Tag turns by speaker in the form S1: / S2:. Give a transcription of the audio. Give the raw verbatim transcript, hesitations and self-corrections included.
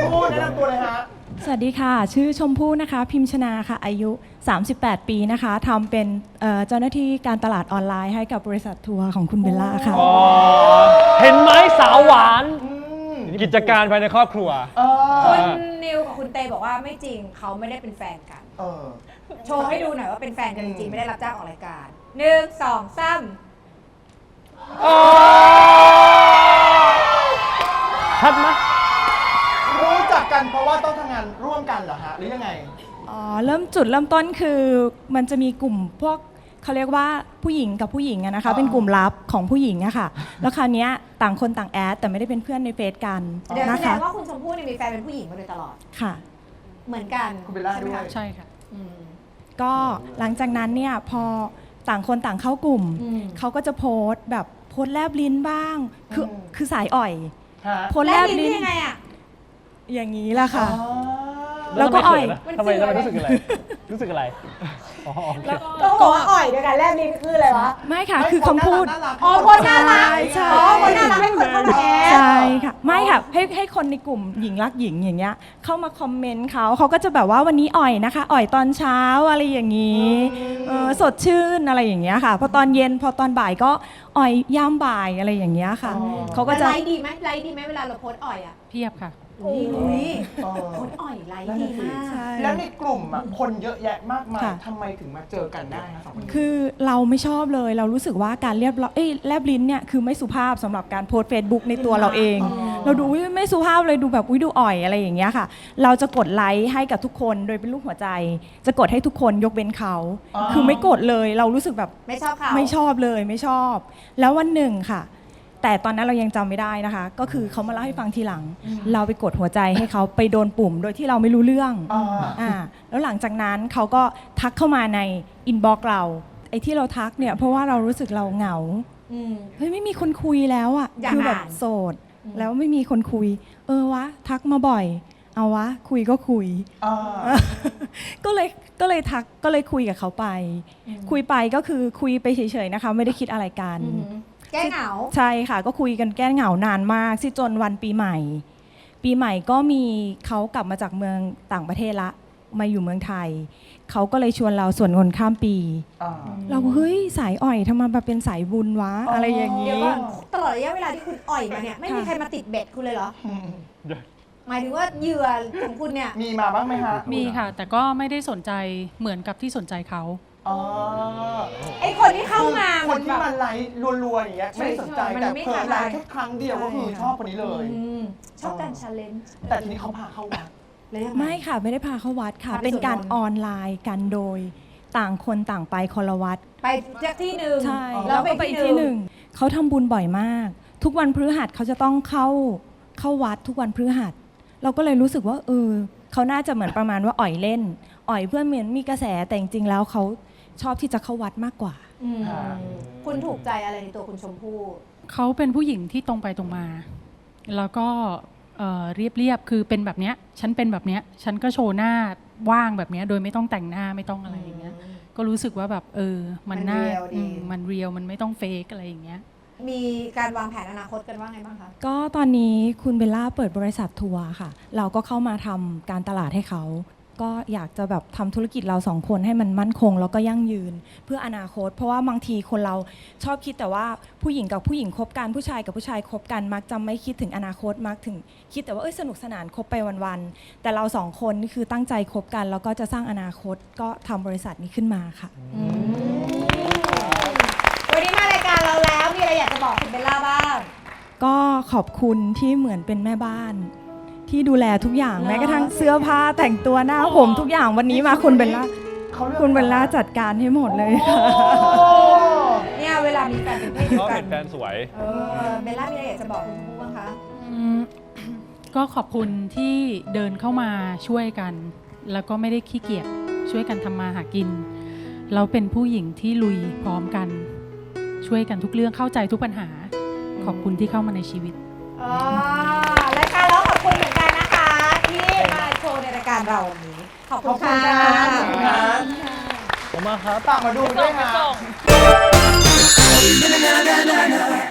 S1: พู่แนะนำตัวเลยฮะ
S2: สวัสดีค่ะชื่อชมพู่นะคะพิมชนาค่ะอายุสามสิบแปดปีนะคะทำเป็นเจ้าหน้าที่การตลาดออนไลน์ให้กับบริษัททัวร์ของคุณเบลล่าค่ะ
S3: เห็นไหมสาวหวานกิจการภายในครอบครัว
S4: คุณนิวกับคุณเตบอกว่าไม่จริงเขาไม่ได้เป็นแฟนกันโชว์ให้ดูหน่อยว่าเป็นแฟนกันจริงๆไม่ได้รับจ้างออกรายการหนึ่งสองสาม
S3: ชัดไหม
S1: รู้จักกันเพราะว่าต้องทำงานร่วมกันเหรอฮะหรือยังไง
S2: อ๋อเริ่มจุดเริ่มต้นคือมันจะมีกลุ่มพวกเขาเรียกว่าผู้หญิงกับผู้หญิงนะคะเป็นกลุ่มลับของผู้หญิงอะค่ะแล้วคราวนี้ต่างคนต่างแอดแต่ไม่ได้เป็นเพื่อนในเฟซกัน
S4: เดี๋ยวแสด
S2: นะคะ
S4: งว่าคุณชมพู่มีแฟนเป็นผู้หญิงมาโดยตลอด
S2: ค่ะ
S4: เหมือนกัน
S1: คุณเบลล่าด้วย
S2: ใช่ค่ะก็หลังจากนั้นเนี่ยพอต่างคนต่างเข้ากลุ่มเขาก็จะโพสต์แบบโพสต์แลบลิ้นบ้างคือคือสายอ่อย
S4: โพสต์แลบลิ้นยังไงอะ
S2: อย่างนี้แหละค่ะ
S3: แล้วก็อ่อยทำไมทำไมรู้สึกอะไรรู้สึกอะไร
S4: ก็บอกว่าอ่อยด้วยกันแลบลิ้นคืออะไรวะ
S2: ไม่ค่ะคือคำพูด
S4: อ๋อคนน่ารักใช่คนน่ารักให้คนเข้ามาแอด
S2: ใช่ค่ะไม่ค่ะให้ให้คนในกลุ่มหญิงรักหญิงอย่างเงี้ยเข้ามาคอมเมนต์เขาเขาก็จะแบบว่าวันนี้อ่อยนะคะอ่อยตอนเช้าอะไรอย่างนี้สดชื่นอะไรอย่างเงี้ยค่ะพอตอนเย็นพอตอนบ่ายก็อ่อยย่ามบ่ายอะไรอย่างเงี้ยค่ะ
S4: เขาก็จะไลฟ์ดีไหมไลฟ์ดีไหมเวลาเราโพสอ่อยอ่ะ
S2: เพียบค่ะ
S4: โอ้ยคนอ่อยไลฟ์ดีมาก
S1: แล้วในกลุ่มคนเยอะแยะมากมายทำไมถึงมาเจอกันได้คะสองคน
S2: คือเราไม่ชอบเลยเรารู้สึกว่าการเรียบเอ้ยแลบลิ้นเนี่ยคือไม่สุภาพสำหรับการโพสเฟซบุ๊กในตัวเราเองเราดูไม่สุภาพเลยดูแบบอุ้ยดูอ่อยอะไรอย่างเงี้ยค่ะเราจะกดไลค์ให้กับทุกคนโดยเป็นรูปหัวใจจะกดให้ทุกคนยกเว้นเขาคือไม่กดเลยเรารู้สึกแบบ
S4: ไม่ชอบเขา
S2: ไม่ชอบเลยไม่ชอบแล้ววันหนึ่งค่ะแต่ตอนนั้นเรายังจำไม่ได้นะคะก็คือเขามาเล่าให้ฟังทีหลังเราไปกดหัวใจให้เขาไปโดนปุ่มโดยที่เราไม่รู้เรื่องอ่าแล้วหลังจากนั้นเขาก็ทักเข้ามาในอินบ็อกซ์เราไอ้ที่เราทักเนี่ยเพราะว่าเรารู้สึกเราเหงาเฮ้ยไม่มีคนคุยแล้วอ่ะคือแบบโสดแล้วไม่มีคนคุยเออวะทักมาบ่อยเอาวะคุยก็คุยก็เลยก็เลยทักก็เลยคุยกับเขาไปคุยไปก็คือคุยไปเฉยๆนะคะไม่ได้คิดอะไรกัน
S4: แก้เหงา
S2: ใช่ค่ะก็คุยกันแก้เหงานานมากสิจนวันปีใหม่ปีใหม่ก็มีเขากลับมาจากเมืองต่างประเทศละมาอยู่เมืองไทยเขาก็เลยชวนเราสวดมนต์ข้ามปีเราเฮ้ยสายอ่อยทำไมมาเป็นสายบุญวะอะไรอย่างนี้
S4: ตลอดระยะเวลาที่คุณอ่อยมาเนี่ยไม่มีใครมาติดเบ็ดคุณเลยเหรอหมายถึงว่าเหยื่อของคุณเนี่ย
S1: มีมาบ้างไหมฮะ
S5: มีค่ะแต่ก็ไม่ได้สนใจเหมือนกับที่สนใจเขา
S4: ไอคนที่เข้ามา
S1: คนที่มันไลค์รัวๆอย่างเงี้ยไม่สนใจแต่เพิ่มไลค์แค่ครั้งเดียวก็คือชอบคนนี้เลย
S4: ชอบการชาเลนจ์
S1: แต่ทีนี้เขาพาเข้าวัด
S2: ไม่ค่ะไม่ได้พาเข้าวัดค่ะเป็นการออนไลน์กันโดยต่างคนต่างไปคนละวัด
S4: ไปจากที่หนึ่ง
S2: ใช่แล้วก็ไปที่หนึ่งเขาทำบุญบ่อยมากทุกวันพฤหัสเขาจะต้องเข้าเข้าวัดทุกวันพฤหัสเราก็เลยรู้สึกว่าเออเขาน่าจะเหมือนประมาณว่าอ่อยเล่นอ่อยเพื่อเหมือนมีกระแสแต่จริงๆแล้วเขาชอบที่จะเข้าวัดมากกว่า
S4: คุณถูกใจอะไรในตัวคุณชมพู่
S5: เขาเป็นผู้หญิงที่ตรงไปตรงมาแล้วก็เรียบเรียบคือเป็นแบบเนี้ยฉันเป็นแบบเนี้ยฉันก็โชว์หน้าว่างแบบเนี้ยโดยไม่ต้องแต่งหน้าไม่ต้องอะไรอย่างเงี้ยก็รู้สึกว่าแบบเออมันน่ามันเรียลมันไม่ต้องเฟกอะไรอย่างเงี้ย
S4: มีการวางแผนอนาคตกันว่าไงบ้างคะ
S2: ก็ตอนนี้คุณเบลล่าเปิดบริษัททัวร์ค่ะเราก็เข้ามาทำการตลาดให้เขาก็อยากจะแบบทำธุรกิจเราสองคนให้มันมั่นคงแล้วก็ยั่งยืนเพื่ออนาคตเพราะว่าบางทีคนเราชอบคิดแต่ว่าผู้หญิงกับผู้หญิงคบกันผู้ชายกับผู้ชายคบกันมักจะไม่คิดถึงอนาคตมักถึงคิดแต่ว่าเอ้ยสนุกสนานคบไปวันๆแต่เราสองคนนี่คือตั้งใจคบกันแล้วก็จะสร้างอนาคตก็ทำบริษัทนี้ขึ้นมาค่ะ
S4: วันนี้มารายการเราแล้วมีอะไรอยากจะบอกคุณเบลล่าบ้าง
S2: ก็ขอบคุณที่เหมือนเป็นแม่บ้านที่ดูแลทุกอย่างแม้กระทั่งเสื้อผ้าแต่งตัวหน้าผมทุกอย่างวันนี้มาคุณเบลล่าคุณเบลล่าจัดการให้หมดเลยค่ะ
S4: เนี่ยเวลามีแฟนเป็นเพศเดียวกัน
S3: เห็นแฟนสวย
S4: เบลล่ามีอะไรอยากจะบอกคุณชมพู่บ้างคะ
S5: ก็ขอบคุณที่เดินเข้ามาช่วยกันแล้วก็ไม่ได้ขี้เกียจช่วยกันทำมาหากินเราเป็นผู้หญิงที่ลุยพร้อมกันช่วยกันทุกเรื่องเข้าใจทุกปัญหาขอบคุณที่เข้ามาในชีวิต
S4: รายการเราขอบคุณเหมือนกันนะคะที่มาโชว์ในรายการเราวันนี้ขอบคุณค่ะ
S1: ขอบคุณค่ะ
S3: ผมมาครับ
S1: ฝากมาดูด้วยค่ะ